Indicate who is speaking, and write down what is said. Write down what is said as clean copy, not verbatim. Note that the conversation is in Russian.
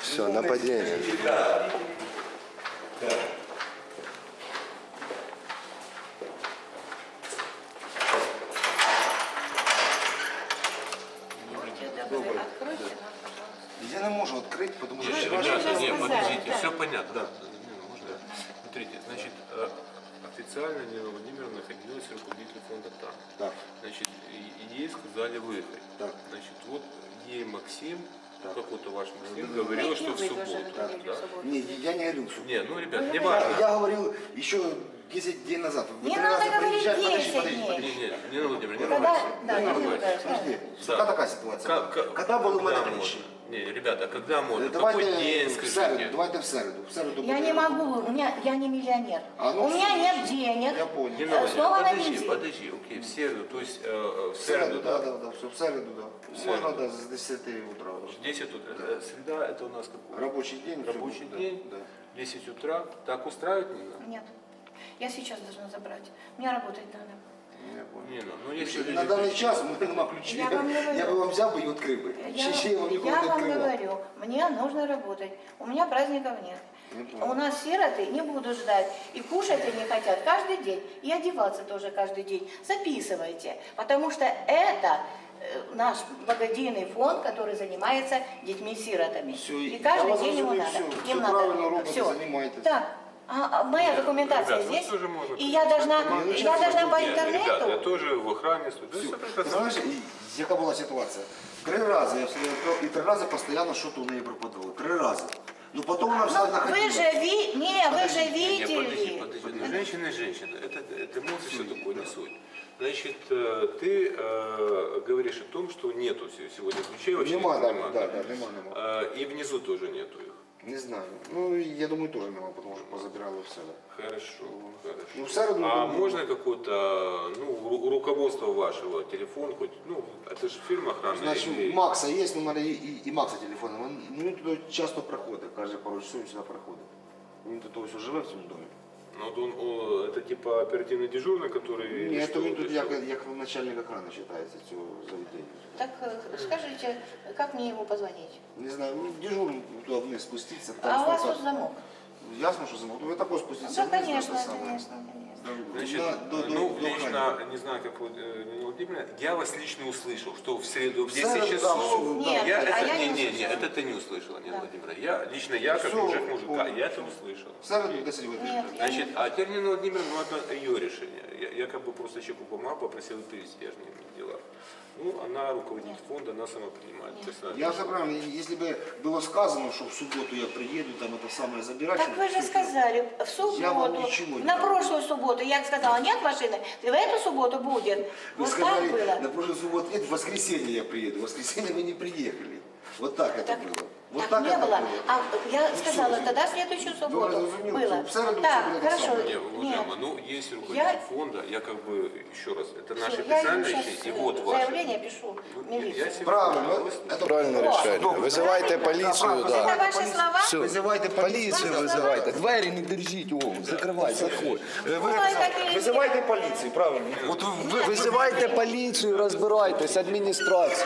Speaker 1: Все, нападение.
Speaker 2: Я не можу відкрити, тому що...
Speaker 3: Ребята, нет, подождите, все понятно. Да. Можно? Смотрите, значит, официально Нина Владимировна находилась руководитель фонда там.
Speaker 2: Так,
Speaker 3: Значит, и ей сказали выехать.
Speaker 2: так.
Speaker 3: Значит, вот ей Максим,
Speaker 2: Так.
Speaker 3: какой-то ваш Максим, говорил, что в субботу.
Speaker 2: Так.
Speaker 3: Да?
Speaker 2: Не, я не говорил, что...
Speaker 3: Не, ну, ребят, не важно.
Speaker 2: Я говорил еще 10 дней назад. Вы
Speaker 4: Не
Speaker 2: 3
Speaker 4: надо
Speaker 2: раза
Speaker 4: говорить
Speaker 2: приезжали.
Speaker 4: 10
Speaker 2: Подождите,
Speaker 4: дней.
Speaker 2: подождите.
Speaker 3: Не, Нина Владимировна, не
Speaker 4: Когда,
Speaker 3: ругайтесь.
Speaker 4: да,
Speaker 3: Не
Speaker 4: не
Speaker 3: ругайтесь.
Speaker 2: Подожди,
Speaker 4: да.
Speaker 2: какая такая ситуация? Когда был у меня
Speaker 3: Когда
Speaker 2: речь?
Speaker 3: можно? Не, ребята, а когда можно?
Speaker 2: Давайте
Speaker 3: Какой день,
Speaker 2: в
Speaker 3: скажите?
Speaker 2: середу, давайте в середу. В середу
Speaker 4: Я
Speaker 2: буде-
Speaker 4: не могу, я не миллионер.
Speaker 2: А, ну,
Speaker 4: У меня
Speaker 2: все,
Speaker 4: нет денег.
Speaker 2: Я понял.
Speaker 3: Нина Владимировна,
Speaker 4: Снова на
Speaker 3: подожди,
Speaker 4: бензин.
Speaker 3: подожди, окей, в среду, то есть в
Speaker 2: В середу,
Speaker 3: среду,
Speaker 2: да,
Speaker 3: да?
Speaker 2: да, да, все, в середу, да.
Speaker 3: середу.
Speaker 2: Можно, да, с 10 утра.
Speaker 3: 10 утра. Среда это у нас какой?
Speaker 2: Рабочий день. всё
Speaker 3: Рабочий
Speaker 2: будет, да,
Speaker 3: день,
Speaker 2: Да.
Speaker 3: 10 утра. Так устраивает Нина?
Speaker 4: Нет. Я сейчас должна забрать. Мне работать надо.
Speaker 2: Я понял.
Speaker 3: Нина, ну если
Speaker 2: На даний час у мене нема ключів.
Speaker 4: Я вам не говорю.
Speaker 2: Я би вам взяв би і відкрив би. Ще я вам ніколи
Speaker 4: Я
Speaker 2: не
Speaker 4: вам
Speaker 2: відкривав.
Speaker 4: говорю, мне нужно работать. У меня праздников нет.
Speaker 2: Не понял.
Speaker 4: У нас сироты не будут ждать. И кушать они хотят каждый день. И одеваться тоже каждый день. Записывайте. Потому что это наш благодійный фонд, который занимается детьми-сиротами.
Speaker 2: Всё,
Speaker 4: И
Speaker 2: я
Speaker 4: каждый
Speaker 2: вас
Speaker 4: день ему
Speaker 2: разумею,
Speaker 4: надо.
Speaker 2: всё,
Speaker 4: Им
Speaker 2: всё
Speaker 4: надо.
Speaker 2: правильно робите,
Speaker 4: Всё.
Speaker 2: занимаетесь.
Speaker 4: Так. А моя документация
Speaker 3: Ребят, ну
Speaker 4: здесь.
Speaker 3: тоже можно
Speaker 4: И я должна по
Speaker 3: Нет, ребята, я
Speaker 4: интернету.
Speaker 3: тоже в охране стою. Да
Speaker 2: Всё.
Speaker 3: всё
Speaker 2: Ти
Speaker 3: прекрасно.
Speaker 2: знаєш, яка була ситуація? 3 рази я все відкрив, і 3 рази постійно щось у неї пропадало. 3 рази. Ну потім вона
Speaker 4: Ну,
Speaker 2: все
Speaker 4: вы
Speaker 2: находила.
Speaker 4: же вы же
Speaker 3: Не, подожди,
Speaker 4: видели.
Speaker 3: подожди. Ну, женщина и женщина. Это эмоции все такое не суть. Значит, ты говоришь о том, что нету сегодня ключей вообще.
Speaker 2: Нема, да,
Speaker 3: нема.
Speaker 2: да, нема.
Speaker 3: И внизу тоже нету их.
Speaker 2: Не знаю. Ну, я думаю, теж нема, тому що позабирали все.
Speaker 3: Хорошо, хорошо.
Speaker 2: Ну, в середу...
Speaker 3: А можно какое-то, ну, руководство вашего, телефон хоть, ну, это же фирма охраны.
Speaker 2: Значить,
Speaker 3: или-
Speaker 2: у Макса є, у мене і Макса телефон. Він туди часто приходить, каже, пару часов він сюди приходить. Він тут ось живе в цьому домі.
Speaker 3: Ну, вот он, это типа оперативный дежурный, который...
Speaker 2: Ні,
Speaker 3: что,
Speaker 2: то він
Speaker 3: или
Speaker 2: тут
Speaker 3: что?
Speaker 2: як начальник охрани вважається цього заведення.
Speaker 4: Так скажите, как мне ему позвонить?
Speaker 2: Не знаю, ну, дежурный туди вниз спуститься.
Speaker 4: А у вас тут замок?
Speaker 2: Ясно, що замок. Ну, ви також спуститься
Speaker 4: Да,
Speaker 2: вниз.
Speaker 4: конечно,
Speaker 2: це саме.
Speaker 4: конечно.
Speaker 3: Значит, ну, лично, не знаю, как вы, Нина Владимировна, я вас лично услышал, что в среду в 10
Speaker 2: среду,
Speaker 3: часов...
Speaker 2: да,
Speaker 4: Нет,
Speaker 3: я,
Speaker 4: а
Speaker 3: это,
Speaker 4: я не
Speaker 3: не,
Speaker 4: услышала.
Speaker 3: это ты не услышала, Нина
Speaker 4: Да.
Speaker 3: Владимировна. Лично я, как
Speaker 2: Всё,
Speaker 3: мужик мужика,
Speaker 2: понял.
Speaker 3: я это услышал.
Speaker 2: В середу 10
Speaker 4: Нет,
Speaker 2: годин.
Speaker 4: я
Speaker 3: Значит,
Speaker 4: не...
Speaker 3: а теперь Нина Владимировна, ну, это ее решение. Я как бы просто чеку бумагу попросил перевести, я же не дела. Ну, она руководитель фонда, она сама принимает. То есть она
Speaker 2: Я все правильно, если бы было сказано, что в субботу я приеду, там это самое забирать.
Speaker 4: Так вы же сказали, в
Speaker 2: Я вам
Speaker 4: субботу,
Speaker 2: ничего не
Speaker 4: на
Speaker 2: говорю.
Speaker 4: прошлую субботу, я сказала, нет машины, в эту субботу будет.
Speaker 2: Вы
Speaker 4: Вот
Speaker 2: сказали,
Speaker 4: так было.
Speaker 2: на прошлой субботу нет, в воскресенье я приеду. В воскресенье вы не приехали. Вот так это
Speaker 4: Так,
Speaker 2: было. Вот
Speaker 4: так не
Speaker 2: это
Speaker 4: было. А я
Speaker 2: Ну,
Speaker 4: сказала,
Speaker 2: всё,
Speaker 4: тогда следующую субботу
Speaker 2: разумели,
Speaker 4: было.
Speaker 2: в среду
Speaker 4: Так,
Speaker 2: всё было
Speaker 4: хорошо.
Speaker 2: так
Speaker 3: Не,
Speaker 4: Нет.
Speaker 3: уважаемая, ну, есть руководитель фонда, я как бы, еще раз, это
Speaker 4: Всё,
Speaker 3: наши
Speaker 4: я ему
Speaker 3: официальные
Speaker 4: сейчас
Speaker 3: вещи, и вот ваши.
Speaker 4: заявление пишу в
Speaker 3: Я
Speaker 4: милицию.
Speaker 3: себе-
Speaker 2: Правильно,
Speaker 3: Да,
Speaker 2: это
Speaker 1: Правильное решение. Вызывайте полицию,
Speaker 4: Это
Speaker 1: да.
Speaker 4: ваши слова?
Speaker 1: Все,
Speaker 2: Вызывайте
Speaker 1: полицию вызывайте. Двери не держите, о, закрывайте, отходь.
Speaker 4: Ой, какие
Speaker 2: Вызывайте полицию, правильно. Вот
Speaker 1: Вызывайте полицию, разбирайтесь, администрацию.